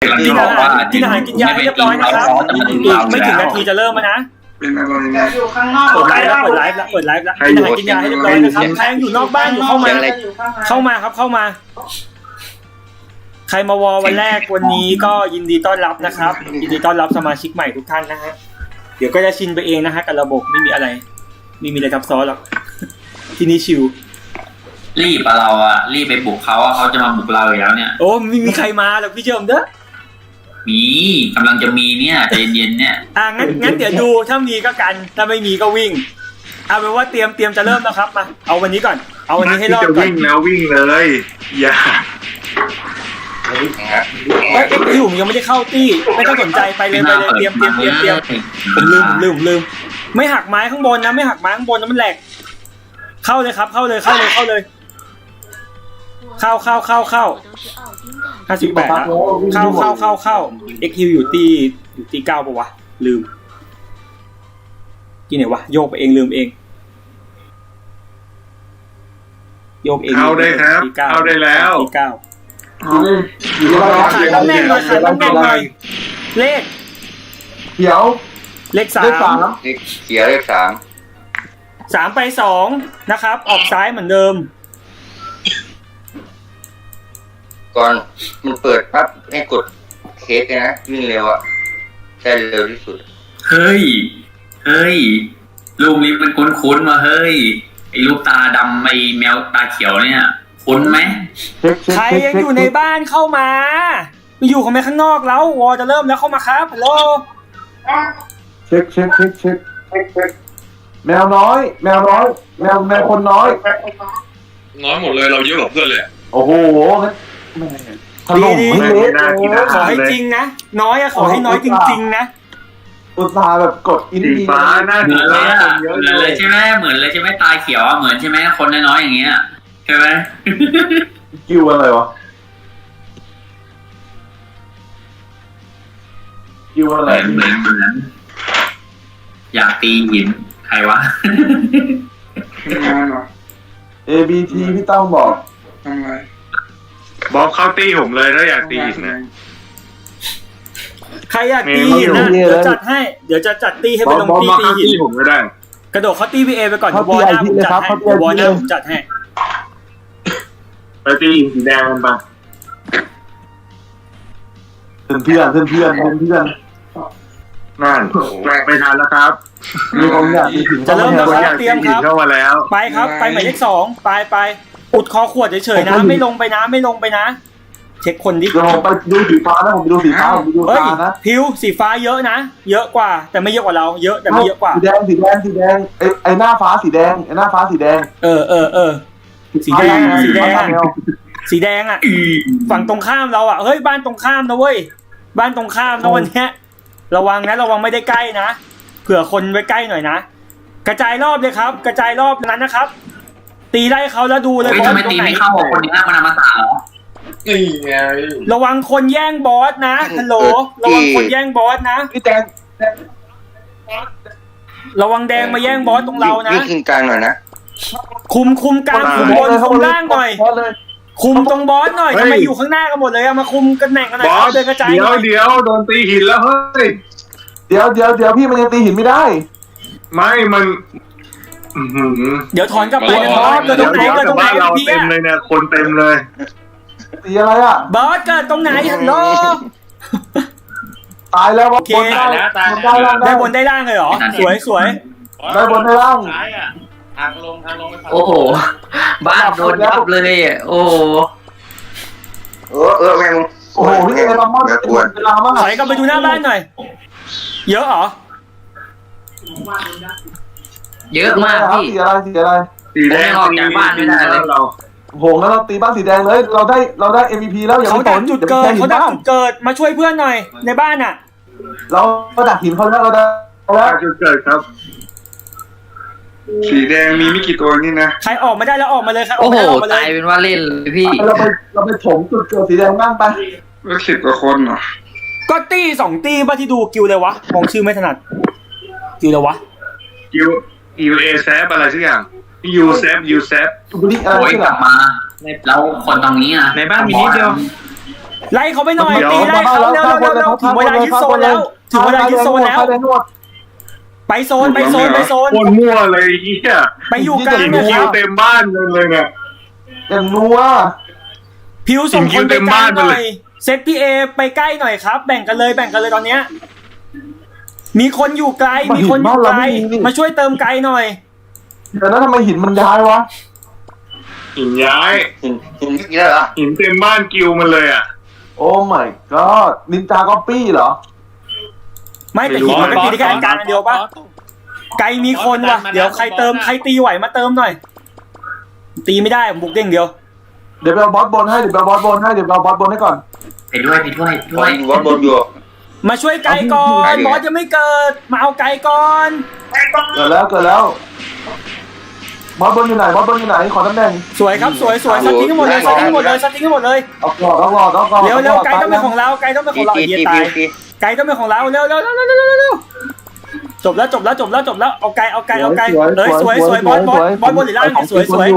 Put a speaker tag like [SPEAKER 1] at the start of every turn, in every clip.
[SPEAKER 1] กินอาหารกินยาให้เรียบร้อยนะครับไม่ถึงนาทีจะเริ่มแล้วนะ
[SPEAKER 2] เป็นอะไรเนี่ย
[SPEAKER 3] อยู่ข้างนอก
[SPEAKER 1] เปิดไลฟ์แล้วกินอาหารกินยาให้เรียบร้อยนะครับใครยังอยู่นอกบ้านอยู่เข้ามาครับเข้ามาใครมาวอวันแรกวันนี้ก็ยินดีต้อนรับนะครับยินดีต้อนรับสมาชิกใหม่ทุกท่านนะฮะเดี๋ยวก็จะชินไปเองนะฮะกับระบบไม่มีอะไรซับซ้อนหรอกที่นี่ชิว
[SPEAKER 4] รีบเราอะรีบไปบุกเขาเขาจะมาบุกเราอยู่แล้วเนี่ย
[SPEAKER 1] โอ้ไม่มีใครมาหรอกพี่เจิมเด้อ
[SPEAKER 4] มีกำลังจะมีเนี่ยใจเย็นเนี่ย
[SPEAKER 1] งั้นเดี๋ยวดูถ้ามีก็กันถ้าไม่มีก็วิ่งเอาเป็นว่าเตรียมจะเริ่มแล้วครับมาเอาวันนี้ก่อนเอาวันนี้ให้รอดก่อน
[SPEAKER 2] วิ่งแล้ววิ่งเลยอย่า
[SPEAKER 1] เอ็กซ์ผมยังไม่ได้เข้าตี้ไม่ต้องสนใจไปเลยเตรียมผมลืมไม่หักไม้ข้างบนนะไม่หักไม้ข้างบนนะมันแหลกเข้าเลยครับเข้าเลยเข้า58นะเข้าเอ็กซ์อยู่ตี9ป่ะวะลืมที่ไหนวะโยกไปเองลืมเองโยกเอง
[SPEAKER 2] เข้าได้ครับเข้าได้แล้ว
[SPEAKER 1] ตี9ขายตำแหน่งหน่อยเลข
[SPEAKER 5] เขียว
[SPEAKER 1] เลข3
[SPEAKER 5] เขียวเลข
[SPEAKER 1] 3ไป2นะครับออกซ้ายเหมือนเดิม
[SPEAKER 5] ก่อนมันเปิดปั๊บให้กดเคสนะวิ่งเร็วอ่ะใช่เร็วที่สุด
[SPEAKER 4] เฮ้ยรูปนี้มันคุ้นๆมาเฮ้ยไอ้รูปตาดำไอ้แมวตาเขียวเนี่ยคุ้นไหม
[SPEAKER 1] ใครยังอยู่ในบ้านเข้ามาไปอยู่ของแม่ข้างนอกแล้ววอจะเริ่มแล้วเข้ามาครับฮัลโหล
[SPEAKER 5] เช็คแมวน้อยแมวคนน้อย
[SPEAKER 2] หมดเลยเราเยอะกว่าเพื่อนเลย
[SPEAKER 5] โอ้โห
[SPEAKER 1] ดีขอให้จริงนะน้อยอะขอให้น้อยจริงๆนะ
[SPEAKER 5] อุตส่าห์แบบกดอินดี
[SPEAKER 2] ฟ้าหน้าดีเลย
[SPEAKER 4] เหมือนเลยใช่ไหมเหมือนเลยใช่ไหมตาเขียวเหมือนใช่ไหมคนน้อยๆอย่างเงี้ยใช่ไหม
[SPEAKER 5] กิ้วอะไรวะกิ้วอะไร
[SPEAKER 4] เหมือนอยากตีหินใครวะ
[SPEAKER 5] ABT พี่ต้องบอก
[SPEAKER 2] ทำไมบอกเข้าตีผมเลยถ้าอยากตีหินนะ
[SPEAKER 1] ใครอยากตีหินนะเดี๋ยวจัดให้เดี๋ยวจะจัดตีให้ไปลงตีหิน
[SPEAKER 2] ผมก็ได้
[SPEAKER 1] กระโดดเขาตีพีเอไปก่อนวอลหน้าผมจัดให้วอลหน้าผมจัดให้
[SPEAKER 2] ไปตีหินสีแดงมันปะ
[SPEAKER 5] เพื่อน
[SPEAKER 2] นั่นไม่ทันแล้วครับ
[SPEAKER 1] จะเริ่มแล้วครับเตรียมครับ
[SPEAKER 2] เข้ามาแล้ว
[SPEAKER 1] ไปครับไปหมายเลข2ไปอุดคอขวดเฉยๆนะไม่ลงไปนะเช็คคนดิ
[SPEAKER 5] ผมไปดูสีฟ้านะผมไปดูสีฟ้านะ
[SPEAKER 1] พิวสีฟ้าเยอะนะเยอะกว่าแต่ไม่เยอะกว่าเราเยอะแต่ไม่เยอะกว่า
[SPEAKER 5] สีแดงไอ้หน้าฟ้าสีแดง
[SPEAKER 1] สีแดงอ่ะฝั่งตรงข้ามเราอ่ะเฮ้ยบ้านตรงข้ามนะเว้ยบ้านตรงข้ามนะวันเนี้ยระวังไม่ได้ใกล้นะเผื่อคนไว้ใกล้หน่อยนะกระจายรอบเลยครับกระจายรอบนั้นนะครับตีไล่เขาแล้วดูเลย
[SPEAKER 4] ทำไมตีไม่เข้าคนนี้มันมาตาเหรอ
[SPEAKER 2] นี่ไง
[SPEAKER 1] ระวังคนแย่งบอสนะฮัลโหลระวังคนแย่งบอสนะ
[SPEAKER 5] พี่แดง
[SPEAKER 1] ระวังแดงมาแย่งบอสตรงเรานะ
[SPEAKER 5] ยืนกลางหน่อยนะ
[SPEAKER 1] คุมกลางคุมบนคุมล่างหน่อยคุมตรงบอสหน่อยทำไมอยู่ข้างหน้ากันหมดเลยมาคุมกันแหน่งกันหน่อยเอาเดินกระจาย
[SPEAKER 2] เดี๋ยวโดนตีหินแล้วเฮ้ย
[SPEAKER 5] เดี๋ยวพี่มันยังตีหินไม่ได้
[SPEAKER 2] ไม่มัน
[SPEAKER 1] เดี๋ยวถอนกลับไปนะครับเกิดตรงไหน
[SPEAKER 2] พี่เต็มเลยเนี่ยคนเต็มเลย
[SPEAKER 5] ตีอะไรอ่ะ
[SPEAKER 1] บอสเกิดตรงไหนฮัลโหล
[SPEAKER 5] ตายแล้ว
[SPEAKER 1] โอเคได้บนได้ล่างเลยเหรอสวย
[SPEAKER 5] ได้บนได้ล่าง
[SPEAKER 2] ทางลง
[SPEAKER 4] โอ้โหบ้านโดนยับเลยโอ้
[SPEAKER 5] แม่งโอ้โหพี่เอรามาเวลามาก
[SPEAKER 1] ถอยกลับไปดูหน้าบ้านหน่อยเยอะเหรอ
[SPEAKER 4] เยอะมากพี่
[SPEAKER 5] สี
[SPEAKER 2] แดง
[SPEAKER 4] ออกจากบ้านไม่ได้เลย
[SPEAKER 5] เราโหงั้นเราตีบ้านสีแดงเลยเราได้ MVP แล้วอย่า
[SPEAKER 1] เขาดักจุดเกิดมาช่วยเพื่อนหน่อยในบ้านอ่ะ
[SPEAKER 5] เราดักหินเขาแล้วเราได้
[SPEAKER 2] แล้วจุดเกิดครับสีแดงมีไม่กี่ตัวนี่นะ
[SPEAKER 1] ใครออกมาได้แล้วออกมาเลยครับ
[SPEAKER 4] โอ้โหตายเป็นว่าเล่นเลยพี่
[SPEAKER 5] เราไปถมจุดเกิดสีแดงบ้างไป
[SPEAKER 2] 10 กว่าคนเหรอ
[SPEAKER 1] ก็ตี2ตีป่ะที่ดูกิวเลยวะมองชื่อไม่ถนัดกิวเลยวะ
[SPEAKER 2] กิวเอแซฟอะไรสักอย่างยูเซฟ
[SPEAKER 4] โอ้ยกลับมาแล้วคนตรงนี้อ่ะ
[SPEAKER 2] ในบ้านมีนิดเดียว
[SPEAKER 1] ไล่เขาไปหน่อย
[SPEAKER 2] เดี๋ยว
[SPEAKER 1] ตีไล่เขาเร็วๆเร็วๆถึงเวลายึดโซนแล้วถึงเวลายึดโซนแล้ว ไปโซนไปโซนไปโซน
[SPEAKER 2] โคตรมั่วเลยไอ้เฮีย
[SPEAKER 1] ไปอยู่กลาง
[SPEAKER 2] หิน
[SPEAKER 1] นะค
[SPEAKER 2] คิ
[SPEAKER 1] รั
[SPEAKER 2] ว
[SPEAKER 1] บ
[SPEAKER 2] เต็มบ้านเลยเนี่ย
[SPEAKER 5] อย่างนัว
[SPEAKER 1] พิวส่งคนไปกลางหน่
[SPEAKER 2] เต็มบ้าน
[SPEAKER 1] อ
[SPEAKER 2] เลย ย
[SPEAKER 1] เซตพี่เอไปใกล้หน่อยครับ แบ่งกันเลยตอนเนี้ยมีคนอยู่ไกลมีคนอยู่ไกลมาช่วยเติมไกลหน่อย
[SPEAKER 5] เดี๋ยวนั้นทำไมหินมันย้ายวะ
[SPEAKER 2] หินย้าย
[SPEAKER 3] หินเยอะเหรอ
[SPEAKER 2] หินเต็มบ้านกิวมันเลยอ่ะ
[SPEAKER 5] โอ้ my god นินจาก็ปี้เหรอ
[SPEAKER 1] ไม่แต่หินมันก็ตีได้แค่อันกลางอันเดียวปะไกลมีคนว่ะเดี๋ยวใครตีไหวมาเติมหน่อย ตีไม่ได้ผมบุกเด้งเดียว
[SPEAKER 5] เดี๋ยวไปเอาบอสบนให้เดี๋ยวไปเอาบอสบนให้ก่อน
[SPEAKER 4] ไปด้วย
[SPEAKER 3] บอลบอลอยู่
[SPEAKER 1] มาช่วยไกลก่อนบอสยังไม่เกิดมาเอาไกลก่อน
[SPEAKER 5] เกิดแล้วบอสบนอยู่ไหนขอตำแหน่ง
[SPEAKER 1] สวยครับสวยสติ๊กให้หมดเลยสติ๊กให้หมดเลย
[SPEAKER 5] เอาก่อน
[SPEAKER 1] เร็วไกลต้องเป็นของเราไกลต้องเป็นของเราไอ้เหี้ยตายไกลต้องเป็นของเราเร็วจบแล้วเอาไกลเลยสวยบอสบนหรือล่างเนี่ยสวย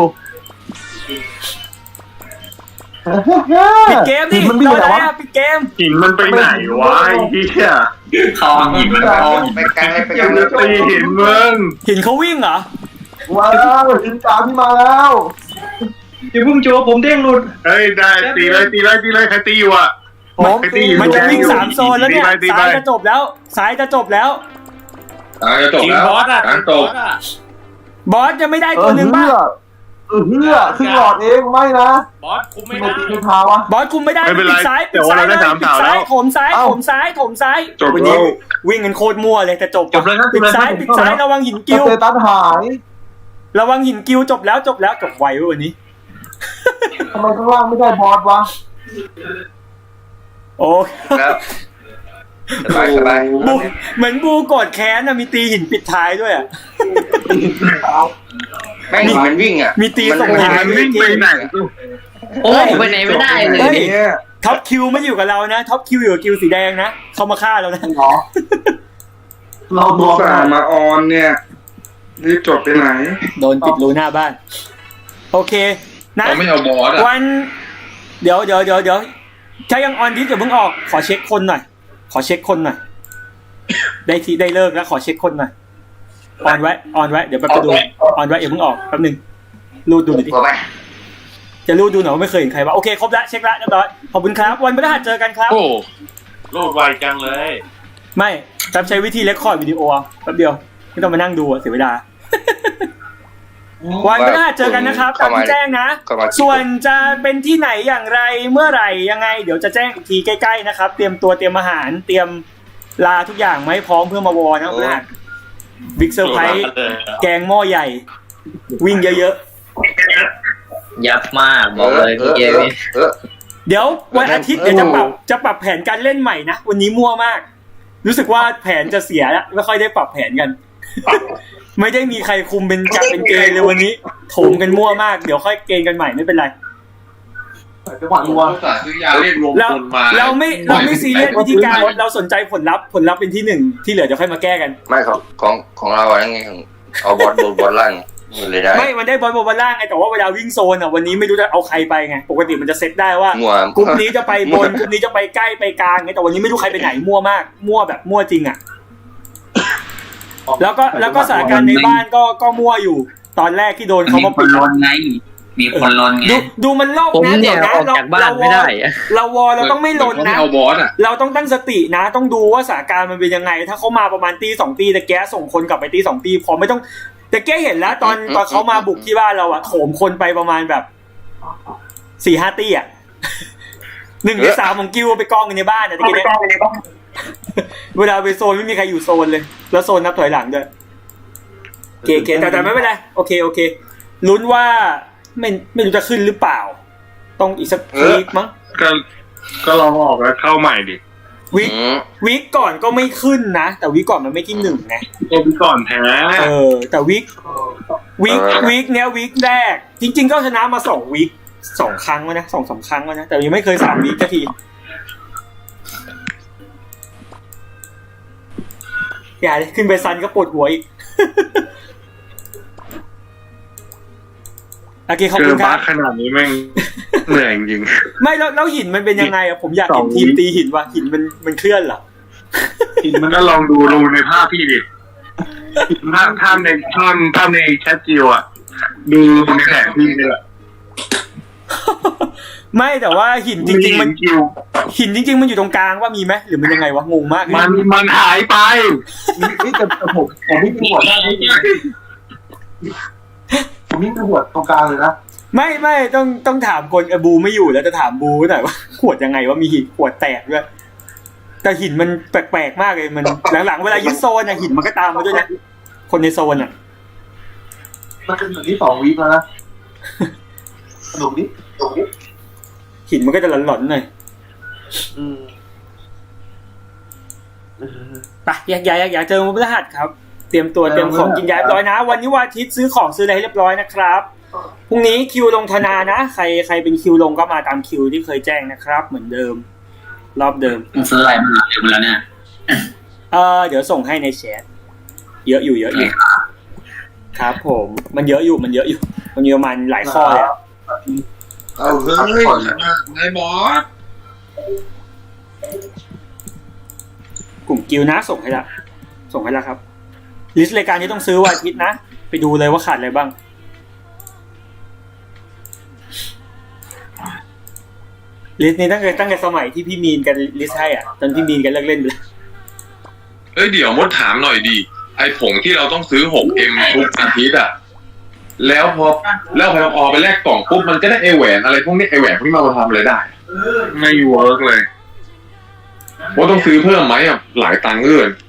[SPEAKER 1] ปิดเกมดิ
[SPEAKER 5] มันมี
[SPEAKER 1] รอ
[SPEAKER 5] ไหน
[SPEAKER 1] อะไร
[SPEAKER 5] วะ
[SPEAKER 1] อ่ะปิดเกม
[SPEAKER 2] หินมันไปไหนวะไอ้เฮีย
[SPEAKER 4] คอหินมันคอหิน
[SPEAKER 3] ไปกลางเลยไปก
[SPEAKER 2] ยั
[SPEAKER 3] ลาง ง
[SPEAKER 2] จะตีหินมึง
[SPEAKER 1] เห็นเขาวิ่งเหรอ
[SPEAKER 5] ว้าวหินตามที่มาแล้ว
[SPEAKER 6] อย่าเพิ่งโจผมเด้งหลุด
[SPEAKER 2] เฮ้ยได้ตีเลยใครตีอยู่อ่ะ
[SPEAKER 5] ผม
[SPEAKER 1] มันจะวิ่ง3โซนแล้วเนี่ยซ้ายจะจบแล้ว
[SPEAKER 3] จะจบแล้ว
[SPEAKER 6] จริงบอสอ่ะ
[SPEAKER 1] บอสจะไม่ได้ตัวหนึ่งป่ะ
[SPEAKER 5] เฮือครึ่งหลอดเองไม่นะ
[SPEAKER 6] บอสคุมไม่
[SPEAKER 5] ไม่
[SPEAKER 6] ได้
[SPEAKER 5] ตีไม่พาวะ
[SPEAKER 1] บอสคุมไม่ได้
[SPEAKER 2] ไม่เป็นไร
[SPEAKER 1] ปิดซ้าย
[SPEAKER 2] แต่ว่าเราได้3
[SPEAKER 1] ปิดซ้ายโถมซ้าย
[SPEAKER 5] เอ้า
[SPEAKER 1] โถมซ้าย
[SPEAKER 2] จบ
[SPEAKER 1] วัน
[SPEAKER 2] แล้
[SPEAKER 1] นี้
[SPEAKER 2] ว
[SPEAKER 1] วิ่งกันโคตรมั่วเลยแต่จบ
[SPEAKER 6] จบเลยครับ
[SPEAKER 1] ปิดซ้ายระวังหิน
[SPEAKER 5] ส
[SPEAKER 1] กิ้ว
[SPEAKER 5] เตตัสหาย
[SPEAKER 1] ระวังหินกิ้วจบแล้วจบไวเว้ยวันนี้
[SPEAKER 5] ทำไมข้างล่างไม่ได้บอสวะ
[SPEAKER 1] โอ้
[SPEAKER 3] แล้วสบาย
[SPEAKER 1] บูเหมือนบูโกดแค้นนะมีตีหินปิดท้ายด้วยอ่ะ
[SPEAKER 3] แม่งมันวิ่งอ่ะ
[SPEAKER 1] มีตีส่งท้าย
[SPEAKER 2] มันวิ่งไปไหน
[SPEAKER 6] โอ้ไปไหนไม่ได้เลย
[SPEAKER 1] เฮ้ยท็อปคิวไม่อยู่กับเรานะท็อปคิวอยู่กับคิวสีแดงนะเขามาฆ่าเรานะ
[SPEAKER 5] หรอเราดวง
[SPEAKER 2] สั่งมาออนเนี่ยรีบจบไปไหน
[SPEAKER 1] โดนปิดรูหน้าบ้าน โอเคนะ
[SPEAKER 2] เราไม่เอาบอสอ่ะ
[SPEAKER 1] วันเดี๋ยวถ้ายังออนดิสอย่าเพิ่งออกขอเช็คคนหน่อยได้เลิกแล้วขอเช็คคนหน่อยออนไว้เดี๋ยวแป๊บจะดูออนไว้อย่าเพิ่งออกแป๊บนึงรูดดูหน่อยดิ
[SPEAKER 3] กลัวไหม
[SPEAKER 1] จะรูดดูหน่อยว่าไม่เคยเห็นใครวะโอเคครบแล้วเช็คแล้วเรียบร้อยขอบคุณครับวันพฤหัสเจอกันครับ
[SPEAKER 6] โอ้โลดไวจังเลย
[SPEAKER 1] ไม่จำใช้วิธีเรคคอร์ดวิดีโอเอาแป๊บเดียวไม่ต้องมานั่งดูอะเสียเวลา วันพฤหัสเจอกันนะครับตามที่แจ้งนะ ส่วนจะเป็นที่ไหนอย่างไรเมื่อไหร่ยังไง เดี๋ยวจะแจ้งอีกทีใกล้ๆนะครับ เตรียมตัวเตรียมอาหารเตรียมลาทุกอย่างมาให้พร้อมเพื่อมาวอนะพฤหัสบิ๊กเซอร์ไพรส์แกงหม้อใหญ่ วิ่งเยอะ
[SPEAKER 6] ยับมากบอกเลยพี่เกมนี่
[SPEAKER 1] ๆเดี๋ยววันอาทิตย์เดี๋ยวจะปรับแผนการเล่นใหม่นะวันนี้มั่วมาก รู้สึกว่าแผนจะเสียแล้วไม่ค่อยได้ปรับแผนกัน ไม่ได้มีใครคุมเป็นจับเป็นเกณฑ์เลยวันนี้โถมกันมั่วมากเดี๋ยวค่อยเกณฑ์กันใหม่ไม่เป็นไร
[SPEAKER 5] จังหวะนัว
[SPEAKER 1] เราไม่ซีเรียสวิธีการเราสนใจผลลัพธ์เป็นที่หนึ่งที่เหลือจะค่อยมาแก้กัน
[SPEAKER 3] ไม่ของเราอะไรไงเอาบอลล่างเลยได้
[SPEAKER 1] ไม่มันได้บอลบนล่างไงแต่ว่าเวลาวิ่งโซนอ่ะวันนี้ไม่รู้จะเอาใครไปไงปกติมันจะเซตได้ว่า
[SPEAKER 3] มั่ว
[SPEAKER 1] กลุ่มนี้จะไปบนกลุ่มนี้จะไปใกล้ไปกลางไงแต่วันนี้ไม่รู้ใครไปไหนมั่วมากมั่วแบบมั่วจริงอ่ะแล้วก็สถานการณ์ในบ้านก็มั่วอยู่ ตอนแรกที่โดนเขา
[SPEAKER 4] มี
[SPEAKER 1] มา
[SPEAKER 4] คนลนไงมีคนลนไง
[SPEAKER 1] ดูมันโลก
[SPEAKER 6] ผม
[SPEAKER 1] นะ
[SPEAKER 6] เนี่
[SPEAKER 1] เดี๋
[SPEAKER 6] ย
[SPEAKER 1] ยวนะ
[SPEAKER 6] ออกจากบ้านไม่ได้อะ
[SPEAKER 1] เราต้องไม่ลนนะ
[SPEAKER 2] เอาบอสอ่ะ
[SPEAKER 1] เราต้องตั้งสตินะ ต้องดูว่าสถานการณ์มันเป็นยังไง ถ้าเขามาประมาณตี2ตีแต่แกส่งคนกลับไปตี2ตีพอไม่ต้องแต่แกเห็นแล้วตอนเขามาบุกที่บ้านเราอะโถมคนไปประมาณแบบ4-5ตีอะ1 ใน 3ของกิวไปกองกันในบ้านอะตะกี้เนี่ยเวลาไปโซนไม่มีใครอยู่โซนเลย แล้วโซนนับถอยหลังด้วยโอเคแต่ไม่เป็นไรโอเคลุ้นว่าไม่รู้จะขึ้นหรือเปล่าต้องอีกสักวีคมั้ง
[SPEAKER 2] ก็ลองออกแล้วเข้าใหม่ดิ
[SPEAKER 1] วีคก่อนก็ไม่ขึ้นนะแต่วีคก่อนมันไม่ที่1ไง
[SPEAKER 2] ตัวพี่ก่อนแพ้
[SPEAKER 1] แต่วีคเนี้ยวีคแรกจริงๆก็ชนะมา2วีค2 ครั้งแล้วนะ2-3 ครั้งแล้วนะแต่ยังไม่เคย3วีคสักทีอย่าเลยขึ้นไปซันก็ปวดหัวอีก โอเคขอบ
[SPEAKER 2] เจ
[SPEAKER 1] คุ
[SPEAKER 2] อ
[SPEAKER 1] ณค
[SPEAKER 2] บ้า
[SPEAKER 1] รับ
[SPEAKER 2] ขนาดนี้แม่งเหนื่อยจริง
[SPEAKER 1] ไม่แล้วหินมันเป็นยังไงอะผมอยากเห็นทีมตีหินว่ะหินมันเคลื่อนเหรอ
[SPEAKER 5] หินมัน
[SPEAKER 2] ก็ลองดูในภาพพี่ดิภาพในแชทจิวอ่ะดูในแผนที่นี่แหละ
[SPEAKER 1] ไม่แต่ว่าหินจริงๆมัน
[SPEAKER 2] จิว
[SPEAKER 1] หินจริงๆมันอยู่ตรงกลางว่ามีไหมหรือมันยังไงวะงงมากเลย
[SPEAKER 2] มันหายไป
[SPEAKER 5] นี่แต่ผมไม่มีหัวได้ผมนี่มีหัวตรงกลางเลยนะ
[SPEAKER 1] ไม่ต้องถามคนบูไม่อยู่แล้วจะถามบูหน่อยว่าขวดยังไงว่ามีหินขวดแตกด้วยแต่หินมันแปลกๆมากเลยมันหลังๆเวลายึดโซนอะหินมันก็ตามมาด้วยนะคนในโซนอะ
[SPEAKER 5] มันเป็นแบบนี้2 วีคแล้วนะสนุกดิ
[SPEAKER 1] หินมันก็จะหลอนๆหน่อยไปแยกย้ายเจอวันพฤหัสครับเตรียมตัวเตรียมของกินย้ายเรียบร้อยนะวันนี้วันอาทิตย์ซื้อของซื้ออะไรให้เรียบร้อยนะครับพรุ่งนี้คิวลงธนานะใครเป็นคิวลงก็มาตามคิวที่เคยแจ้งนะครับเหมือนเดิมรอบเดิม
[SPEAKER 4] มึงซื้ออะไรมาเดี๋ยวมาแล้วเนี่ย
[SPEAKER 1] เดี๋ยวส่งให้ในแชทเยอะอยู่ครับผมมันเยอะอยู่มันมีประมาณหลายข้อเลย
[SPEAKER 3] เอาเฮ้ยไงบอส
[SPEAKER 1] กลุ่มกิลนะส่งให้ละครับลิสต์รายการที่ต้องซื้อวันอาทิตย์นะไปดูเลยว่าขาดอะไรบ้างลิสต์นี้ตั้งแต่สมัยที่พี่มีนกันลิสต์ให้อ่ะตอนพี่มีนกันเลิกเล่นไปแล้ว
[SPEAKER 7] เอ้ยเดี๋ยวมดถามหน่อยดิไอผงที่เราต้องซื้อ 6M ทุกอาทิตย์อะแล้วพอไปแลกกล่องปุ๊บมันก็ได้ไอแหวนอะไรพวกนี้ไอแหวนพวกนี้มาทำอะไรได้
[SPEAKER 2] ไม่เวิร์กเลย
[SPEAKER 7] ว่าต้องซื้อเพิ่มไหมอะหลายตังค์เกิน